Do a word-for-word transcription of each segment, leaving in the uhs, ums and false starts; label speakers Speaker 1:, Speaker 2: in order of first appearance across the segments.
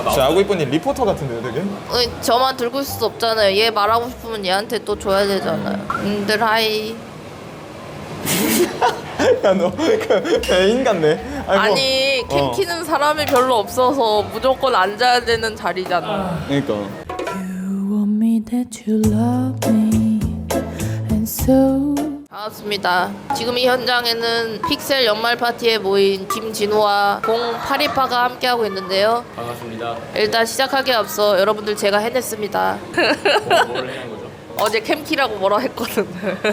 Speaker 1: 진짜 아구 이쁜님 리포터 같은데요, 되게?
Speaker 2: 어, 저만 들고 있을 수 없잖아요. 얘 말하고 싶으면 얘한테 또 줘야 되잖아요. 님들 하이.
Speaker 1: 야, 너 그 애인 같네. 아이고.
Speaker 2: 아니 캠
Speaker 1: 어.
Speaker 2: 키는 사람이 별로 없어서 무조건 앉아야 되는 자리잖아.
Speaker 1: 그러니까.
Speaker 3: You want me that you love me and so
Speaker 2: 반갑습니다. 지금 이 현장에는 픽셀 연말 파티에 모인 김진호와 공팔이파가 함께하고 있는데요.
Speaker 4: 반갑습니다.
Speaker 2: 일단 시작하기에 앞서 여러분들 제가 해냈습니다.
Speaker 4: 뭐, 뭘 해낸 거죠?
Speaker 2: 어제 캠키라고 뭐라 했거든.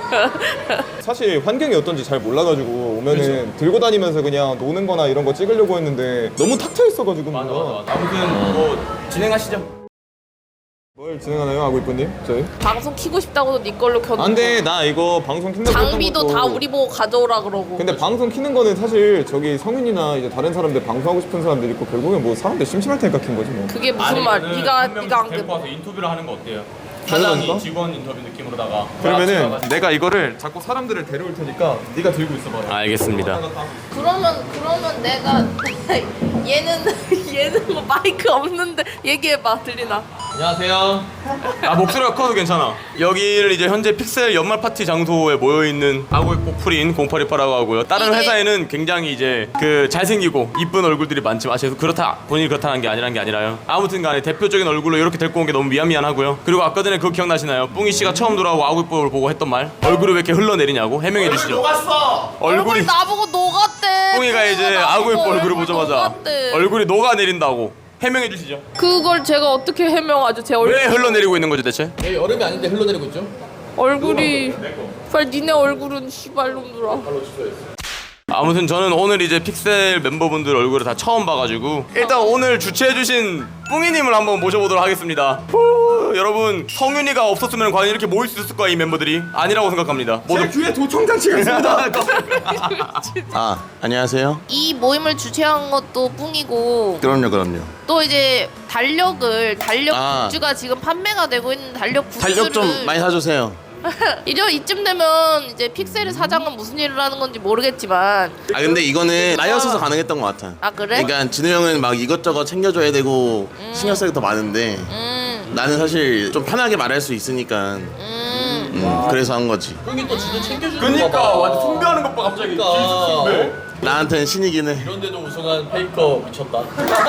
Speaker 1: 사실 환경이 어떤지 잘 몰라가지고 오면은 들고 다니면서 그냥 노는 거나 이런 거 찍으려고 했는데 너무 탁 트여 있어가지고.
Speaker 4: 맞아
Speaker 1: 뭔가.
Speaker 4: 맞아. 아무튼 뭐 진행하시죠.
Speaker 1: 뭘 진행하나요, 아구 이쁜님? 저희?
Speaker 2: 방송 키고 싶다고도 네 걸로 켜놓고
Speaker 1: 안돼, 나 이거 방송 킨다고 했던
Speaker 2: 장비도
Speaker 1: 것도-
Speaker 2: 다 우리 보고 가져오라 그러고.
Speaker 1: 근데 방송 키는 거는 사실 저기 성윤이나 이제 다른 사람들 방송하고 싶은 사람들 있고 결국엔 뭐 사람들 심심할 테니까 킨 거지 뭐.
Speaker 2: 그게 무슨 말? 네가 네가 안
Speaker 4: 데리고
Speaker 2: 돼.
Speaker 4: 와서 인터뷰를 하는 거 어때요?
Speaker 1: 당연하니까?
Speaker 4: 사장이 직원 인터뷰 느낌으로다가
Speaker 1: 그러면은 내가 이거를 자꾸 사람들을 데려올 테니까 네가 들고 있어봐.
Speaker 4: 알겠습니다.
Speaker 2: 그러면 그러면 내가 얘는 얘는 뭐 마이크 없는데 얘기해봐. 들리나?
Speaker 4: 안녕하세요. 아 목소리가 커도 괜찮아. 여기를 이제 현재 픽셀 연말 파티 장소에 모여 있는 아구의 꽃프린 공팔이파라고 하고요. 다른
Speaker 2: 이게-
Speaker 4: 회사에는 굉장히 이제 그 잘생기고 이쁜 얼굴들이 많지만 아, 죄송 그렇다 본인이 그렇다는 게 아니란 게 아니라요. 아무튼간에 대표적인 얼굴로 이렇게 데리고 온 게 너무 미안 미안하고요. 그리고 아까 전에 그거 기억나시나요? 뿡이 씨가 처음 돌아오고 아구이뽀를 보고 했던 말. 얼굴이 왜 이렇게 흘러내리냐고 해명해 주시죠.
Speaker 2: 얼굴이
Speaker 4: 얼굴이
Speaker 2: 나보고 녹았대.
Speaker 4: 뿡이가 이제
Speaker 2: 나보고
Speaker 4: 아구이뽀 얼굴을
Speaker 2: 얼굴
Speaker 4: 보자마자
Speaker 2: 녹았대.
Speaker 4: 얼굴이 녹아내린다고 해명해 주시죠.
Speaker 2: 그걸 제가 어떻게 해명하죠? 제 얼굴
Speaker 4: 왜 흘러내리고 있는 거죠 대체?
Speaker 5: 여기 얼음이 아닌데 흘러내리고 있죠?
Speaker 2: 얼굴이 빨리 니네 얼굴은 씨발놈들아.
Speaker 4: 아무튼 저는 오늘 이제 픽셀 멤버분들 얼굴을 다 처음 봐가지고 일단 오늘 주최해주신 뿡이님을 한번 모셔보도록 하겠습니다. 후, 여러분 성윤이가 없었으면 과연 이렇게 모일 수 있을까 이 멤버들이? 아니라고 생각합니다. 모두
Speaker 1: 귀에 도청장치가 있습니다.
Speaker 6: 아, 안녕하세요.
Speaker 2: 이 모임을 주최한 것도 뿡이고
Speaker 6: 그럼요, 그럼요.
Speaker 2: 또 이제 달력을 달력
Speaker 6: 아.
Speaker 2: 굿즈가 지금 판매가 되고 있는 달력 굿즈를
Speaker 6: 달력 좀 많이 사주세요.
Speaker 2: 이려 이쯤 되면 이제 픽셀의 사장은 무슨 일을 하는 건지 모르겠지만
Speaker 6: 아, 근데 이거는 나였어서 가능했던 것 같아.
Speaker 2: 아 그래?
Speaker 6: 그러니까 진우 형은 막 이것저것 챙겨줘야 되고 신경 쓸 게 더 많은데
Speaker 2: 음,
Speaker 6: 나는 사실 좀 편하게 말할 수 있으니까
Speaker 2: 음.
Speaker 6: 음, 그래서 한 거지.
Speaker 5: 형이 또 진짜 챙겨주는
Speaker 4: 그니까
Speaker 5: 거 봐.
Speaker 4: 완전 숭배하는 것 봐 갑자기.
Speaker 5: 그러니까.
Speaker 4: 숭배.
Speaker 6: 나한테는 신이긴 해.
Speaker 5: 이런데도 우승한 페이커 미쳤다.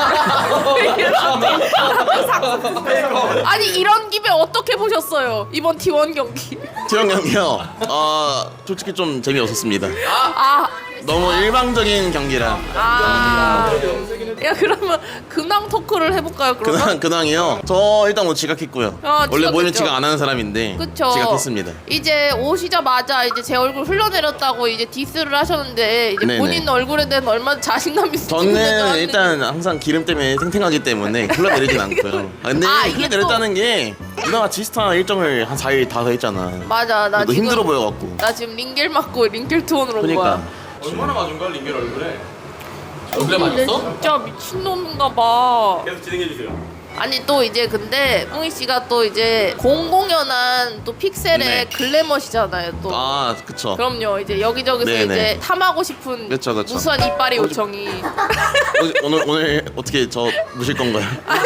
Speaker 2: 아니 이런 김에 어떻게 보셨어요 이번 티 원 경기?
Speaker 6: 티형 경기요. 어, 솔직히 좀 재미없었습니다.
Speaker 2: 아,
Speaker 6: 너무 일방적인 경기라.
Speaker 2: 아. 야 그러면 근황 토크를 해볼까요 그러면?
Speaker 6: 근황, 근황이요. 저 일단 뭐 지각했고요.
Speaker 2: 아,
Speaker 6: 원래 모이면
Speaker 2: 지각했죠.
Speaker 6: 지각 안 하는 사람인데
Speaker 2: 그쵸.
Speaker 6: 지각했습니다.
Speaker 2: 이제 오시자마자 이제 제 얼굴 흘러내렸다고 이제 디스를 하셨는데 이제
Speaker 6: 네네.
Speaker 2: 본인 얼굴에 대한 얼마나 자신감 있으신지
Speaker 6: 저는 일단 항상 기름 때문에 탱탱하기 때문에 흘러내리진 않고요. 아, 근데
Speaker 2: 아, 이게
Speaker 6: 흘러내렸다는 게 누나가 지스타 일정을 한 사 일 다 했잖아.
Speaker 2: 맞아 나
Speaker 6: 너
Speaker 2: 지금
Speaker 6: 힘들어 보여갖고.
Speaker 2: 나 지금 링겔 맞고 링겔 투혼으로 온
Speaker 6: 그러니까
Speaker 2: 거야.
Speaker 4: 얼마나 맞은 거야 링겔 얼굴에?
Speaker 5: 얼굴에
Speaker 2: 근데
Speaker 5: 맞았어?
Speaker 2: 진짜 미친놈인가 봐.
Speaker 4: 계속 진행해 주세요.
Speaker 2: 아니 또 이제 근데 뿡이 씨가 또 이제 공공연한 또 픽셀의
Speaker 6: 네.
Speaker 2: 글래머시잖아요 또.
Speaker 6: 아 그쵸.
Speaker 2: 그럼요 이제 여기저기서
Speaker 6: 네네.
Speaker 2: 이제 탐하고 싶은
Speaker 6: 그쵸, 그쵸.
Speaker 2: 무수한 이빨의 요청이.
Speaker 6: 어, 오늘 오늘 어떻게 저 무실 건가요?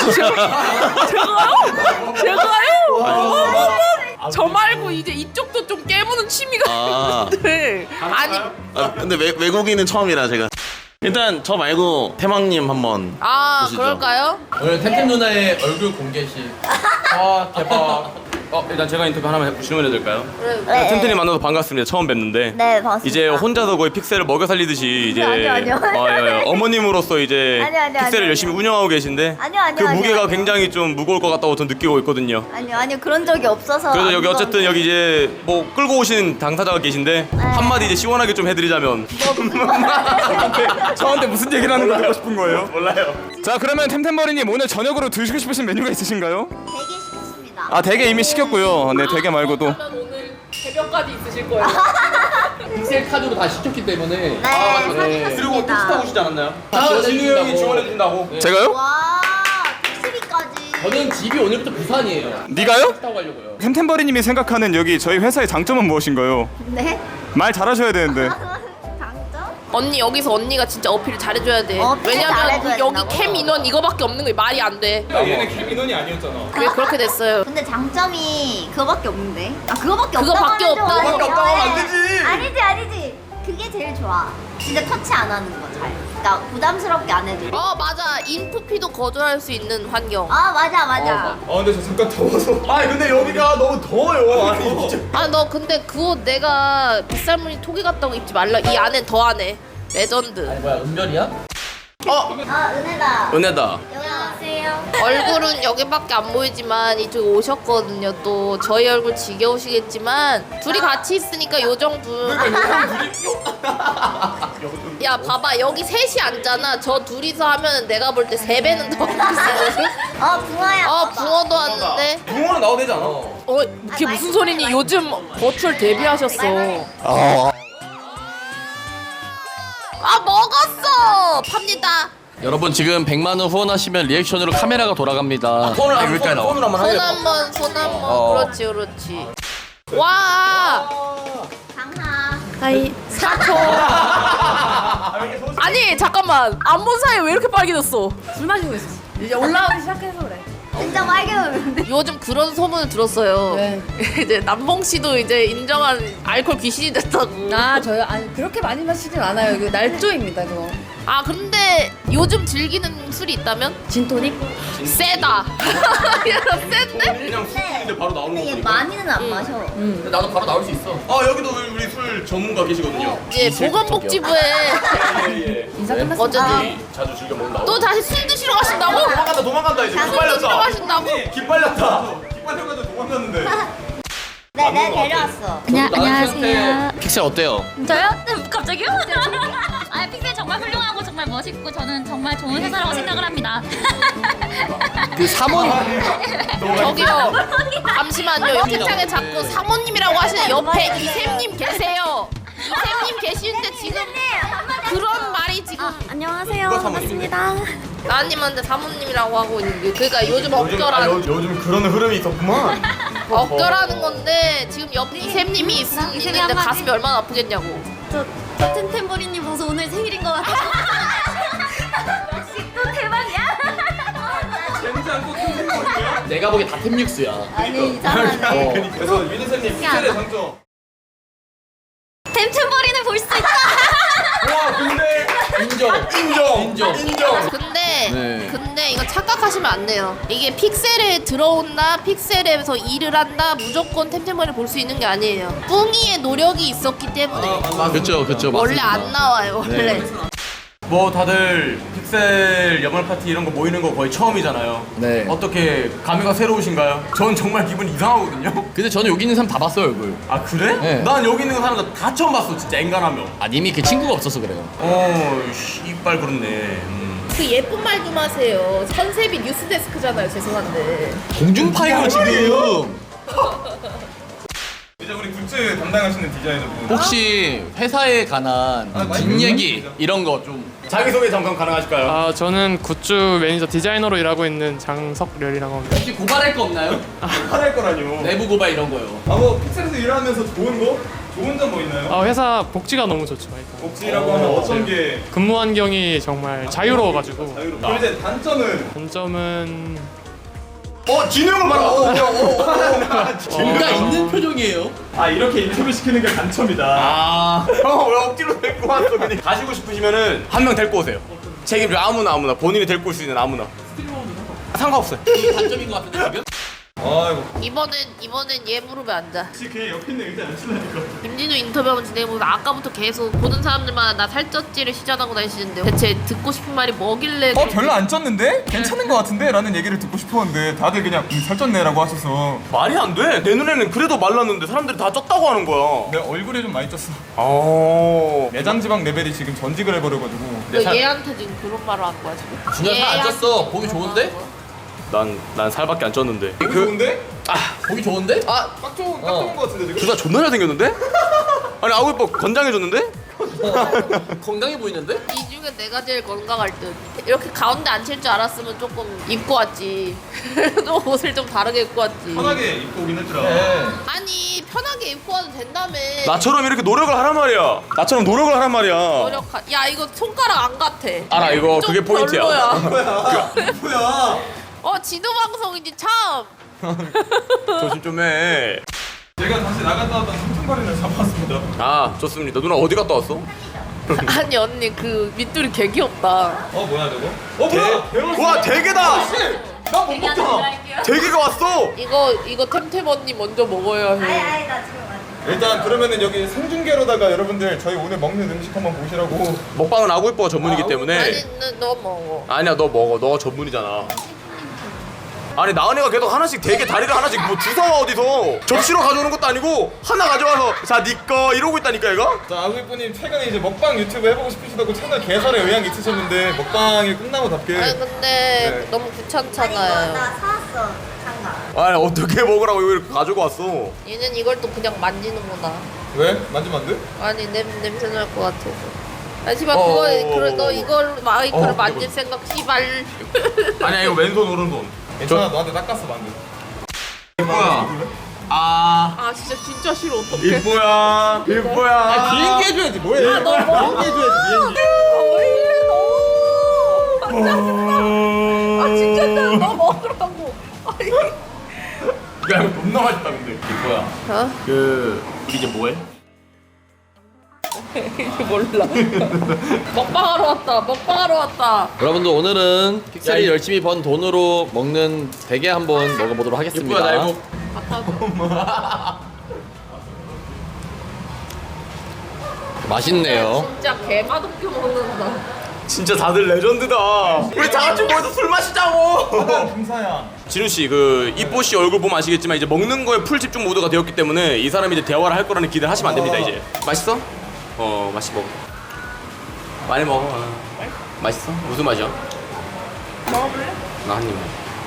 Speaker 2: 제가요? 제가요? 어머머. 저 말고 이제 이쪽도 좀 깨무는 취미가
Speaker 6: 아.
Speaker 2: 있는데 아니
Speaker 6: 아, 근데 외, 외국인은 처음이라 제가. 일단 저 말고 태망님 한번.
Speaker 2: 아
Speaker 6: 보시죠.
Speaker 2: 그럴까요?
Speaker 5: 오늘 템템 누나의 얼굴 공개시.
Speaker 4: 아 대박. 어 일단 제가 인터뷰 하나만 질문해 될까요?
Speaker 7: 네.
Speaker 4: 템템님 만나서 반갑습니다. 처음 뵙는데.
Speaker 7: 네, 반갑습니다.
Speaker 4: 이제 혼자서 거의 픽셀을 먹여 살리듯이 이제
Speaker 7: 아니요, 아니요.
Speaker 4: 어, 예, 예. 어머님으로서 이제
Speaker 7: 아니요, 아니요,
Speaker 4: 픽셀을
Speaker 7: 아니요,
Speaker 4: 열심히
Speaker 7: 아니요.
Speaker 4: 운영하고 계신데
Speaker 7: 아니요, 아니요,
Speaker 4: 그
Speaker 7: 아니요,
Speaker 4: 무게가
Speaker 7: 아니요.
Speaker 4: 굉장히 좀 무거울 것 같다고 저는 느끼고 있거든요.
Speaker 7: 아니요 아니요 그런 적이 없어서
Speaker 4: 그래서
Speaker 7: 안
Speaker 4: 여기 어쨌든
Speaker 7: 무서운데.
Speaker 4: 여기 이제 뭐 끌고 오신 당사자가 계신데
Speaker 7: 네.
Speaker 4: 한마디 이제 시원하게 좀 해드리자면 저한테, 저한테 무슨 얘기를 하는 거 듣고 싶은 거예요? 몰라요.
Speaker 1: 자, 그러면 템템버리님 오늘 저녁으로 드시고 싶으신 메뉴가 있으신가요?
Speaker 7: 되게 시켰습니다.
Speaker 1: 아, 대게 이미 시켰고요. 네, 대게 말고도.
Speaker 2: 그러면 오늘 새벽까지 있으실 거예요.
Speaker 5: 픽셀 카드로 다 시켰기 때문에.
Speaker 7: 네,
Speaker 5: 아,
Speaker 7: 사주셨습니다.
Speaker 4: 그리고 택시 타고 오시지 않았나요?
Speaker 5: 아,
Speaker 4: 진우
Speaker 5: 지원해준다고.
Speaker 4: 형이 지원해준다고.
Speaker 5: 네.
Speaker 1: 제가요?
Speaker 7: 와 택시비까지.
Speaker 5: 저는 집이 오늘부터 부산이에요.
Speaker 1: 네가요?
Speaker 5: 택시 타고 가려고요.
Speaker 1: 템템버리님이 생각하는 여기 저희 회사의 장점은 무엇인가요?
Speaker 7: 네?
Speaker 1: 말 잘하셔야 되는데.
Speaker 7: 장점?
Speaker 2: 언니 여기서 언니가 진짜 어필 잘해줘야 돼.
Speaker 7: 어필
Speaker 2: 왜냐면
Speaker 7: 잘해줘야
Speaker 2: 여기
Speaker 7: 된다고?
Speaker 2: 캠 인원 이거밖에 없는 게 말이 안 돼.
Speaker 1: 야, 얘는 캠 인원이 아니었잖아.
Speaker 2: 왜 그렇게 됐어요?
Speaker 7: 근데 장점이 그거밖에 없는데. 아 그거밖에
Speaker 2: 그거밖에
Speaker 7: 없다고
Speaker 2: 없다고?
Speaker 7: 하면 좀
Speaker 4: 그거밖에 없다고 하면 안
Speaker 7: 어려워.
Speaker 4: 되지.
Speaker 7: 아니지 아니지. 그게 제일 좋아. 진짜 터치 안 하는 거 잘. 그러니까 부담스럽게 안 해도.
Speaker 2: 어 맞아. 인프피도 거절할 수 있는 환경.
Speaker 7: 아 맞아 맞아.
Speaker 1: 아 근데 저 잠깐 더워서.
Speaker 4: 아니 근데 여기가 너무 더워요. 아니 진짜.
Speaker 2: 아 너 근데 그거 내가 빗살무늬 토기 같다고 입지 말라. 이 안엔 더 안해. 레전드.
Speaker 5: 뭐야 은별이야?
Speaker 4: 어
Speaker 7: 아 은혜다.
Speaker 4: 은혜다.
Speaker 7: 여기 나오세요.
Speaker 2: 얼굴은 여기밖에 안 보이지만 이쪽에 오셨거든요. 또 저희 얼굴 지겨우시겠지만 둘이 같이 있으니까 요정분. 야 봐봐 여기 셋이 앉잖아. 저 둘이서 하면 내가 볼 때 세 배는 더 비싸거든.
Speaker 7: 어 붕어야.
Speaker 2: 어
Speaker 7: 봐봐.
Speaker 2: 붕어도 왔는데.
Speaker 4: 붕어는 나와도 되지 않아?
Speaker 2: 어 그게 무슨 소리니? 요즘 버추얼 데뷔하셨어. 아 먹었어. 팝니다.
Speaker 5: 여러분 지금 백만 원 후원하시면 리액션으로 카메라가 돌아갑니다.
Speaker 4: 폰을 한 폰, 폰으로 한번
Speaker 2: 손
Speaker 4: 하게.
Speaker 2: 한번 손 한번
Speaker 4: 어.
Speaker 2: 그렇지 그렇지. 와.
Speaker 7: 강하.
Speaker 2: 하이 사초. 아니 잠깐만 안 본 사이에 왜 이렇게 빨개졌어? 술 마시고 있어. 이제 올라오기 시작해서 그래.
Speaker 7: 진짜 빨개졌는데.
Speaker 2: 요즘 그런 소문을 들었어요.
Speaker 8: 네.
Speaker 2: 이제 남봉 씨도 이제 인정한 알코올 귀신이 됐다고.
Speaker 8: 아 저요? 아니 그렇게 많이 마시진 않아요. 이거 날조입니다 그거.
Speaker 2: 아 근데 요즘 즐기는 술이 있다면?
Speaker 8: 진토닉?
Speaker 2: 세다. 얘가 센데?
Speaker 4: 그냥 술인데 바로 나오는
Speaker 7: 근데 얘
Speaker 4: 거니까.
Speaker 7: 많이는 안 마셔.
Speaker 5: 근데 나도 바로 나올 수 있어.
Speaker 4: 아 여기도 우리 술 전문가 계시거든요.
Speaker 2: 이제 보건복지부에
Speaker 4: 예예.
Speaker 8: 인사 끝났어.
Speaker 2: 어쨌든
Speaker 4: 자주 즐겨 먹는다고.
Speaker 2: 또 다시 술 드시러 가신다고?
Speaker 4: 도망간다 도망간다 이제.
Speaker 7: 술
Speaker 4: 기빨렸다.
Speaker 2: 드시러 가신다고?
Speaker 4: 기빨렸다. 기빨려가지고 도망갔는데.
Speaker 7: 네, 내가 데려왔어.
Speaker 8: 안녕 안녕하세요.
Speaker 5: 픽셀 어때요?
Speaker 9: 저요? 갑자기요? 아 픽셀 정말 훌륭하고 정말 멋있고 저는 정말 좋은 회사라고 생각을 합니다.
Speaker 5: 그 사몬
Speaker 2: 저기요 잠시만요. 채팅창에 자꾸 사모님이라고 하시는 옆에 이샘님 계세요. 이샘님 계시는데 지금 그런 말이 지금
Speaker 9: 안녕하세요.
Speaker 2: 반갑습니다. 나님한테 사모님이라고 하고 있는데 그러니까 요즘 억결하는
Speaker 1: 요, 요즘 그런 흐름이 있었구만.
Speaker 2: 억결하는 건데 지금 옆에 이샘님이 있, 있는데
Speaker 9: 한마디.
Speaker 2: 가슴이 얼마나 아프겠냐고.
Speaker 9: 저 템템버리님 보고서 오늘 생일인 것 같아요. 역시 또 대박이야.
Speaker 5: 내가 보기엔 다 템육수야.
Speaker 7: 아니 이상하네.
Speaker 1: 그래서 유니쌤님 픽셀의 장점.
Speaker 9: 템템버리는 볼 수 있다.
Speaker 4: 와 근데
Speaker 5: 인정.
Speaker 4: 인정
Speaker 5: 인정.
Speaker 4: 인정.
Speaker 2: 근데
Speaker 5: 네.
Speaker 2: 근데 이거 착각하시면 안 돼요. 이게 픽셀에 들어온다, 픽셀에서 일을 한다, 무조건 템템버리를 볼 수 있는 게 아니에요. 뿡이의 노력이 있었기 때문에
Speaker 5: 그렇죠 그렇죠
Speaker 2: 원래
Speaker 5: 맞습니다.
Speaker 2: 안 나와요. 원래.
Speaker 4: 뭐 다들 픽셀 연말 파티 이런 거 모이는 거 거의 처음이잖아요.
Speaker 5: 네.
Speaker 4: 어떻게 감회가 새로우신가요? 전 정말 기분 이상하거든요.
Speaker 5: 근데 저는 여기 있는 사람 다 봤어요 얼굴.
Speaker 4: 아 그래?
Speaker 5: 네.
Speaker 4: 난 여기 있는 사람들 다 처음 봤어 진짜 앵간하며.
Speaker 5: 아 님이 그 친구가 없어서 그래요.
Speaker 4: 어 이빨 그렇네. 음.
Speaker 2: 그 예쁜 말 좀 하세요. 컨셉이 뉴스데스크잖아요. 죄송한데.
Speaker 5: 공중파예요 지금.
Speaker 1: 이제 우리 굿즈 담당하시는 디자이너분.
Speaker 5: 혹시 회사에 관한
Speaker 1: 아, 많이
Speaker 5: 뒷얘기
Speaker 1: 궁금하죠.
Speaker 5: 이런 거 좀.
Speaker 4: 자기소개 잠깐 가능하실까요?
Speaker 10: 아 저는 굿즈 매니저 디자이너로 일하고 있는 장석렬이라고 합니다.
Speaker 5: 혹시 고발할 거 없나요?
Speaker 1: 화낼 거라뇨.
Speaker 5: 내부 고발 이런 거요.
Speaker 1: 아뭐 픽셀에서 일하면서 좋은 거? 좋은 점 뭐 있나요?
Speaker 10: 아, 회사 복지가 너무 좋죠. 일단.
Speaker 1: 복지라고 하면 어떤 게
Speaker 10: 근무 환경이 정말 자유로워가지고
Speaker 1: 자유롭? 그럼 이제 단점은
Speaker 10: 단점은
Speaker 4: 어 진우 형은 말아. 어, 어, 어.
Speaker 5: 뭔가 있는 표정이에요.
Speaker 1: 아 이렇게 인터뷰 시키는 게 단점이다.
Speaker 4: 아, 형 왜 억지로 데리고 왔어? 그냥 가시고 싶으시면은 한 명 데리고 오세요. 책임져 아무나 아무나 본인이 데리고 올 수 있는 아무나. 상관없어요.
Speaker 5: 이게 단점인 것 같은데 지금?
Speaker 1: 아이고
Speaker 2: 이번엔 이번엔 얘 무릎에 앉아.
Speaker 1: 혹시 걔 옆에 있는 의자 안 치려니까.
Speaker 2: 김진우 인터뷰 한번 진행해보면서 아까부터 계속 보는 사람들마다 나 살쪘지를 시전하고 다니시는데 대체 듣고 싶은 말이 뭐길래
Speaker 1: 어 별로 안 쪘는데? 괜찮은 거 같은데? 라는 얘기를 듣고 싶었는데 다들 그냥 음, 살쪘네 라고 하셔서
Speaker 4: 말이 안 돼. 내 눈에는 그래도 말랐는데 사람들이 다 쪘다고 하는 거야.
Speaker 1: 내 얼굴이 좀 많이 쪘어.
Speaker 4: 어.
Speaker 1: 내장 지방 레벨이 지금 전직을 해버려가지고.
Speaker 2: 왜
Speaker 4: 살-
Speaker 2: 얘한테 지금 그런 말을 한 거야 지금?
Speaker 5: 준현 살안
Speaker 2: 얘한테
Speaker 5: 쪘어. 보기 좋은데?
Speaker 4: 난, 난 살밖에 안 쪘는데.
Speaker 1: 그... 좋은데?
Speaker 5: 보기 좋은데?
Speaker 2: 아
Speaker 1: 딱 좋은, 딱 좋은 거 같은데 지금?
Speaker 4: 둘 다 존나 잘생겼는데? 아니 아구이뻐 건장해졌는데?
Speaker 5: 건강해 보이는데?
Speaker 2: 이 중에 내가 제일 건강할 듯. 이렇게 가운데 앉힐 줄 알았으면 조금 입고 왔지. 또 옷을 좀 다르게 입고 왔지.
Speaker 1: 편하게 입고 오긴 했더라.
Speaker 2: 아니 편하게 입고 와도 된다며.
Speaker 4: 나처럼 이렇게 노력을 하란 말이야. 나처럼 노력을 하란 말이야.
Speaker 2: 노력하. 야 이거 손가락 안 같아.
Speaker 4: 알아, 이거
Speaker 2: 좀
Speaker 4: 그게 포인트야.
Speaker 2: 별로야.
Speaker 1: 뭐야?
Speaker 2: 어 지도 방송이지 참.
Speaker 4: 조심 좀 해.
Speaker 1: 제가 다시 나갔다 왔던 삼촌발이를 잡았습니다.
Speaker 4: 아, 좋습니다. 누나 어디 갔다 왔어?
Speaker 2: 아니 언니 그 밑줄이 개 귀엽다.
Speaker 1: 어 뭐야 저거? 어 뭐야?
Speaker 4: 대... 와, 대게다.
Speaker 1: 나못 먹잖아.
Speaker 4: 대게가 왔어.
Speaker 2: 이거 이거 템템 언니 먼저 먹어야
Speaker 7: 아이
Speaker 2: 해.
Speaker 7: 아이 나 지금 완전.
Speaker 1: 일단 그러면은 여기 생중계로다가 여러분들 저희 오늘 먹는 음식 한번 보시라고.
Speaker 4: 먹방은 아구이뽀가 전문이기 때문에.
Speaker 2: 아니 너, 너 먹어.
Speaker 4: 아니야, 너 먹어. 너 전문이잖아. 아니 나은이가 계속 하나씩 대게 다리를 하나씩 뭐 주워와 어디서 접시로 가져오는 것도 아니고 하나 가져와서 자 니꺼 이러고 있다니까 얘가.
Speaker 1: 자 아구이뽀님 최근에 이제 먹방 유튜브 해보고 싶으시다고 채널 개설에 의향이 있으셨는데 먹방이 끝나고답게.
Speaker 2: 아니 근데
Speaker 1: 네.
Speaker 2: 너무
Speaker 7: 이거
Speaker 2: 귀찮잖아요.
Speaker 7: 나 사왔어 장갑.
Speaker 4: 아니 어떻게 먹으라고 이걸 가지고 왔어.
Speaker 2: 얘는 이걸 또 그냥 만지는구나.
Speaker 1: 왜? 만지면 안 돼?
Speaker 2: 아니 냄 냄새 날 것 같아서. 하지만
Speaker 4: 어,
Speaker 2: 그거
Speaker 4: 어, 어,
Speaker 2: 그래
Speaker 4: 어.
Speaker 2: 너 이걸 마이크를
Speaker 4: 어,
Speaker 2: 만질
Speaker 4: 이거.
Speaker 2: 생각 씨발.
Speaker 4: 아니야 이거 왼손 오른손.
Speaker 1: 괜찮아 너한테 닦았어 만두.
Speaker 4: 이뻐야. 아
Speaker 2: 아 진짜 진짜 싫어 어떡해.
Speaker 4: 이뻐야 이뻐야.
Speaker 1: 비행기 해줘야지 뭐해?
Speaker 2: 너 먹어.
Speaker 1: 비행기 해줘야지 비행기.
Speaker 2: 왜 이래 너. 아 진짜 너 먹으라고. 아니.
Speaker 4: 야 이거 겁나 맛있다 근데. 이뻐야.
Speaker 2: 어?
Speaker 4: 그 우리 이제 뭐해?
Speaker 2: 몰라. 먹방하러 왔다. 먹방하러 왔다.
Speaker 5: 여러분들 오늘은 픽셀이 열심히 번 돈으로 먹는 대게 한번 먹어보도록 하겠습니다.
Speaker 4: 이뻐야 나 이거.
Speaker 5: 맛있네요.
Speaker 2: 진짜 개 맛없게 먹는다.
Speaker 4: 진짜 다들 레전드다. 우리 다 같이 모여서 술 마시자고.
Speaker 1: 금사야.
Speaker 4: 진우 씨, 그 이뽀 씨 얼굴 보면 아시겠지만 이제 먹는 거에 풀 집중 모드가 되었기 때문에 이 사람이 이제 대화를 할 거라는 기대를 하시면 안 됩니다. 이제 맛있어? 어, 맛있어 먹어. 많이 먹어. 어. 맛있어? 무슨 맛이야?
Speaker 2: 먹어볼래?
Speaker 4: 나 한 입.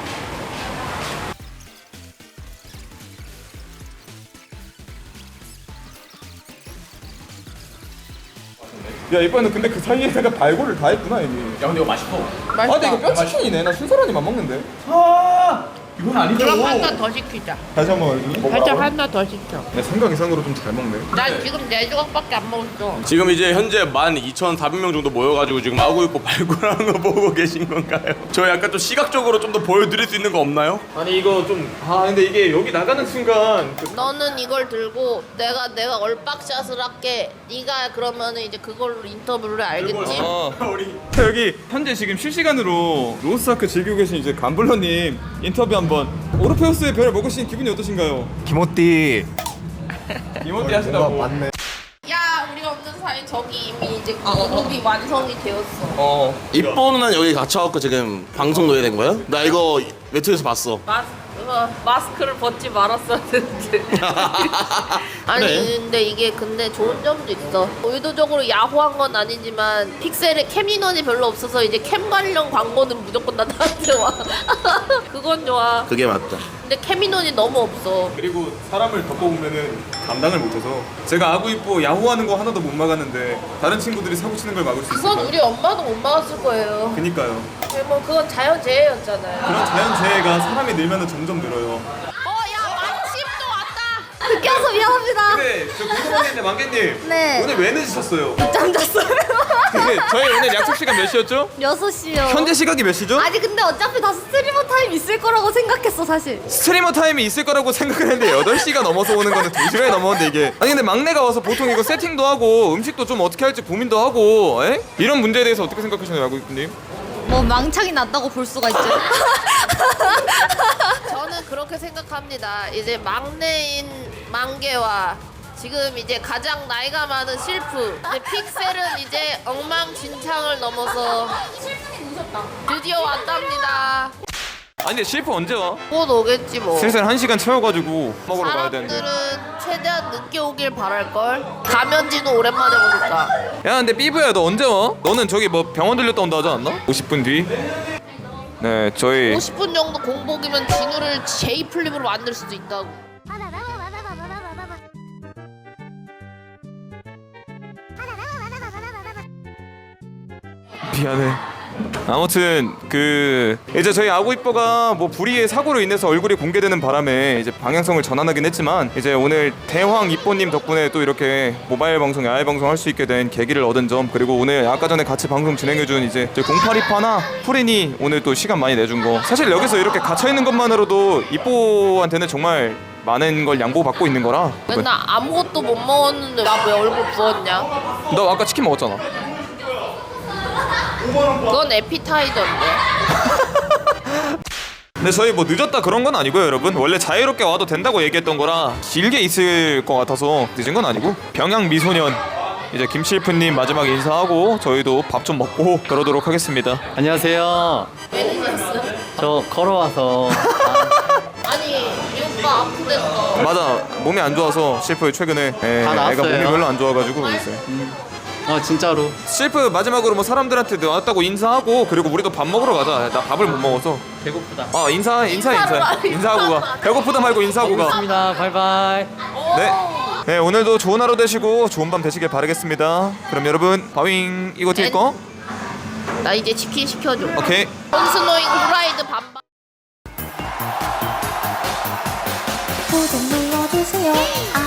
Speaker 1: 야 이번에는 근데 그 사이에다가 발골을 다 했구나 이미.
Speaker 4: 야 근데 이거 맛있어.
Speaker 1: 아 근데 이거 뼈치킨이네. 나 순서라니만 먹는데. 아
Speaker 4: 이건 아니죠.
Speaker 2: 그럼 하나 더 시키자.
Speaker 1: 다시 한번 알려줘.
Speaker 2: 살짝 하나 더 시켜.
Speaker 1: 내 생각 이상으로 좀 잘 먹네.
Speaker 2: 난 지금 네 조각밖에 안 먹었어.
Speaker 4: 지금 이제 현재 만 이천사백 명 정도 모여가지고 지금 아구이뽀 발굴하는 거 보고 계신 건가요? 저 약간 좀 시각적으로 좀 더 보여드릴 수 있는 거 없나요?
Speaker 1: 아니 이거 좀. 아 근데 이게 여기 나가는 순간. 그...
Speaker 2: 너는 이걸 들고 내가 내가 얼빡샷을 할게. 네가 그러면은 이제 그걸로 인터뷰를 알겠지?
Speaker 1: 어. 자, 여기 현재 지금 실시간으로 로스아크 즐기고 계신 이제 감블러님 인터뷰 한번. 오르페우스의 별을 먹으신 기분이 어떠신가요?
Speaker 11: 김호띠
Speaker 1: 이모티 하시다고.
Speaker 11: 맞네.
Speaker 2: 야 우리가 없는 사이 저기 이미 이제 그룹이 완성이 되었어.
Speaker 1: 어.
Speaker 6: 이뻐 누나는 여기 갇혀갖고 지금 방송 넣어야 된 거야? 나 이거 외투에서 봤어.
Speaker 2: 마스, 어, 마스크를 벗지 말았어야 되는데. 아니
Speaker 6: 그래.
Speaker 2: 근데 이게 근데 좋은 점도 있어. 의도적으로 야호한 건 아니지만 픽셀에 캠 인원이 별로 없어서 이제 캠 관련 광고는 무조건 나 나한테 와. 그건 좋아.
Speaker 6: 그게 맞다.
Speaker 2: 근데 캠 인원이 너무 없어.
Speaker 1: 그리고 사람을 덮어보면은 감당을 못해서 제가 아구이뽀 야호하는 거 하나도 못 막았는데 다른 친구들이 사고 치는 걸 막을 수
Speaker 2: 그건
Speaker 1: 있을까요?
Speaker 2: 우리 엄마도 못 막았을 거예요.
Speaker 1: 그니까요.
Speaker 2: 근데 뭐 그건 자연재해였잖아요.
Speaker 1: 그런 자연재해가 사람이 늘면 점점 늘어요.
Speaker 2: 어야 만심도 왔다.
Speaker 7: 느껴서 미안합니다.
Speaker 1: 근데 저 궁금한 게 있는데 만개님.
Speaker 7: 네.
Speaker 1: 오늘 왜 늦으셨어요?
Speaker 7: 짬 잤어요.
Speaker 1: 근데 저희 오늘 약속 시간 몇 시였죠?
Speaker 7: 여섯 시요.
Speaker 1: 현재 시각이 몇 시죠?
Speaker 7: 아니 근데 어차피 다 스트리머 타임 있을 거라고 생각했어 사실.
Speaker 1: 스트리머 타임이 있을 거라고 생각을 했는데 여덟 시가 넘어서 오는 거는 두 시간이 넘었는데 이게 아니 근데 막내가 와서 보통 이거 세팅도 하고 음식도 좀 어떻게 할지 고민도 하고 에? 이런 문제에 대해서 어떻게 생각하시나요 아구이뽀님?
Speaker 7: 뭐 망창이 났다고 볼 수가 있죠.
Speaker 2: 저는 그렇게 생각합니다. 이제 막내인 만개와 지금 이제 가장 나이가 많은 실프 이제 픽셀은 이제 엉망진창을 넘어서
Speaker 9: 실분이 무섭다.
Speaker 2: 드디어 왔답니다.
Speaker 1: 아니 근데 실프 언제 와?
Speaker 2: 곧 오겠지 뭐.
Speaker 1: 슬슬 한 시간 채워가지고 먹으러 가야 되는데.
Speaker 2: 사람들은 최대한 늦게 오길 바랄걸. 가면진우 오랜만에 보니까.
Speaker 1: 야 근데 삐부야 너 언제 와? 너는 저기 뭐 병원 들렸다 온다 하지 않나? 오십 분 뒤. 네 저희
Speaker 2: 오십 분 정도 공복이면 진우를 제이 플립으로 만들 수도 있다고.
Speaker 1: 미안해. 아무튼 그 이제 저희 아구이뻐가 뭐 불의의 사고로 인해서 얼굴이 공개되는 바람에 이제 방향성을 전환하긴 했지만 이제 오늘 대황 이뻐님 덕분에 또 이렇게 모바일 방송, 야외 방송 할 수 있게 된 계기를 얻은 점, 그리고 오늘 아까 전에 같이 방송 진행해준 이제 공팔이파나 프린이 오늘 또 시간 많이 내준 거, 사실 여기서 이렇게 갇혀 있는 것만으로도 이뻐한테는 정말 많은 걸 양보받고 있는 거라.
Speaker 2: 맨날 아무것도 못 먹었는데 나 왜 얼굴 부었냐?
Speaker 1: 너 아까 치킨 먹었잖아.
Speaker 2: 그건 에피타이저인데.
Speaker 1: 근데 저희 뭐 늦었다 그런 건 아니고요, 여러분. 원래 자유롭게 와도 된다고 얘기했던 거라 길게 있을 것 같아서 늦은 건 아니고, 병양 미소년 이제 김실프님 마지막 인사하고 저희도 밥 좀 먹고 그러도록 하겠습니다.
Speaker 5: 안녕하세요.
Speaker 2: 왜 늦었어?
Speaker 5: 저 걸어와서
Speaker 2: 아니 이 오빠 아프댔어.
Speaker 1: 맞아, 몸이 안 좋아서 실프 최근에 예,
Speaker 5: 다 나았어요.
Speaker 1: 애가 몸이 별로 안 좋아가지고 있어요.
Speaker 5: 어 진짜로
Speaker 1: 실프 마지막으로 뭐 사람들한테 나왔다고 인사하고, 그리고 우리도 밥 먹으러 가자. 나 밥을 못 먹어서.
Speaker 5: 배고프다.
Speaker 1: 아 인사 인사 인사 인사하고 가. 배고프다 말고 인사하고 가.
Speaker 5: 고맙습니다. 바이바이.
Speaker 1: 네. 네, 오늘도 좋은 하루 되시고 좋은 밤 되시길 바라겠습니다. 그럼 여러분, 바윙 이거 튈 거?
Speaker 2: 나 이제 치킨 시켜줘.
Speaker 1: 오케이.
Speaker 2: 콘스노잉 후라이드 반반.
Speaker 3: 구독 눌러주세요.